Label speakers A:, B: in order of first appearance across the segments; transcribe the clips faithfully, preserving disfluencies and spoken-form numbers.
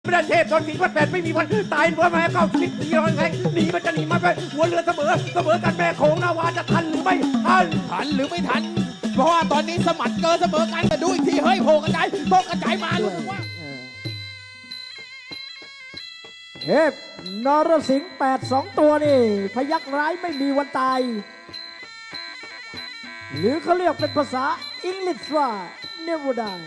A: ไม่ได้เทพตอนสี่พันแปดไม่มีวันตายหัวแม่เก้าสิบสี่ร้อยแทงหนีมันจะหนีมาไปหัวเรือเสมอเสมอกันแม่โขงนาวาจะทันหรือไม่ทัน
B: ทันหรือไม่ทันเพราะว่าตอนนี้สมัดเกินเสมอกันแต่ดูอีกทีเฮ้ยโผล่กระจายโผล่กระจายมารู้สึกว่า
C: เทพนรสิงห์แปดสองตัวนี่พยักร้ายไม่มีวันตาย หรือเขาเรียกเป็นภาษาอังกฤษว่า never die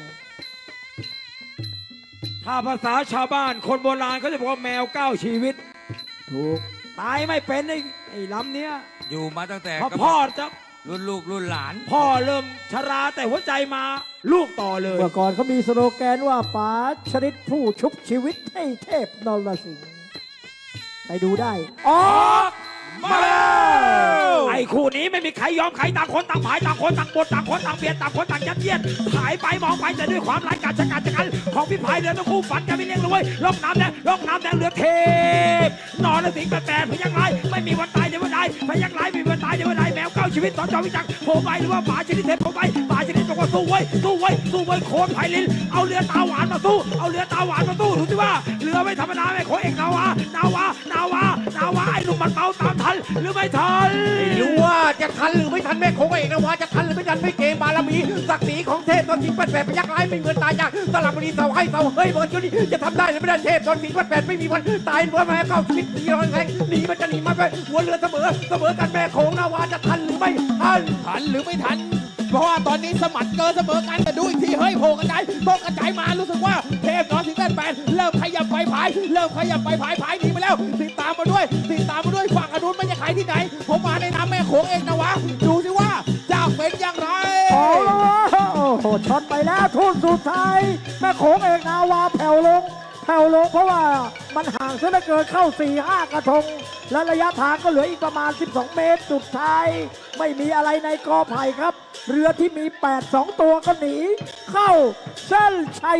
D: ถ้าภาษาชาวบ้านคนโบราณเขาจะบอกว่าแมวเก้าชีวิต
C: ถูก
D: ตายไม่เป็นไอ้ไอ้ลำเนี้ย
E: อยู่มาตั้งแต่
D: เพราะพ่อจะ
E: รุ่นลูกรุ่นหลาน
D: พ่อเริ่มชราแต่หัวใจมาลูกต่อเลย
C: เมื่อก่อนเขามีสโลแกนว่าป๋าชริตผู้ชุบชีวิตให้เทพนรสิงห์ไปดูได้ออ
D: ออก กมาแล้วไอ้คู่นี้ไม่มีใครยอมใครต่างคนต่างผายต่างคนต่างบดต่างคนต่างเบียดต่างคนต่างยัดเยียดผายไปมองไปแต่ด้วยความร้ายกาจชะกันชะกันของพี่พายเรือทั้งคู่ฝันจะไม่เลี้ยงเลยล่องน้ำแดงล่องน้ำแดงเรือเทพนอนสิงห์แปดพยักร้ายไม่มีวันตายเดี๋ยววันใดพยักร้ายไม่มีวันตายเดี๋ยววันใดแมวเก้าชีวิตสอนจอวิจักรโผล่ไปหรือว่าป่าชนิดเทพโผล่ไปป่าชนิดบอกว่าสู้ไว้สู้ไว้สู้ไว้โคนไผ่ลินเอาเรือตาหวานมาสู้เอาเรือตาหวานมาสู้ดูสิว่าเรือไม่ธรรมดาไม่โคเอกนาวานาวานาวานาวาไอ้หนุ่มมันเมาตามทันหรือไม่ทัน
A: ไม่รู้ว่าจะทันหรือไม่ทันแม่โขงเอกนาวาจะทันหรือไม่ทันไม่เกมบารมีศักดิ์ศรีของเทพตอนสี่พันแปดพยักร้ายไม่เหมือนตายจากสลับบุรีเสาให้เสาเฮ้ยเบิร์ดจุนี่จะทำได้หรือไม่ได้เทพตอนสี่พันแปดไม่มีวันตายหัวแม่เก้าสิบสี่ร้อยแทงหนีมันจะหนีมาไปหัวเรือเสมอเสมอกันแม่โขงนาวาจะทันหรือไม่ทัน
B: ทันหรือไม่ทันเพราะว่าตอนนี้สมัดเกินเสมอกันแต่ดูอีกทีเฮ้ยโผล่กระจายโผล่กระจายมารู้สึกว่าเทพนรสิงห์แปดแปดเริ่มขยับไปผายเริ่มขยับไปผายผายหนีไปแล้วติดตามมาด้วยติดตามมาด้วยฝั่งอนุนมันจะขายที่ไหนผมมาในน้ำแม่โขงเองนะวะดูสิว่าจะเป็นอย่างไร
C: โอ้โหช็อตไปแล้วทุ่นสุดท้ายแม่โขงเอกนาวาแผ่วลงแผ่วลงเพราะว่ามันห่างซะเหลือเกินเข้า สี่ห้า กระทง และระยะทางก็เหลืออีกประมาณ สิบสอง เมตรสุดท้าย ไม่มีอะไรในกอไผ่ครับ เรือที่มี แปด สอง ตัวก็หนี เข้าเส้นชัย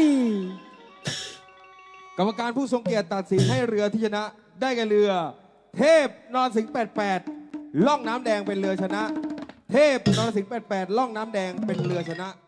F: กรรมการผู้ทรงเกียรติตัดสินให้เรือที่ชนะได้แก่เรือ เทพนรสิงห์แปดแปดล่องน้ำแดงเป็นเรือชนะ เทพนรสิงห์แปดแปดล่องน้ำแดงเป็นเรือชนะ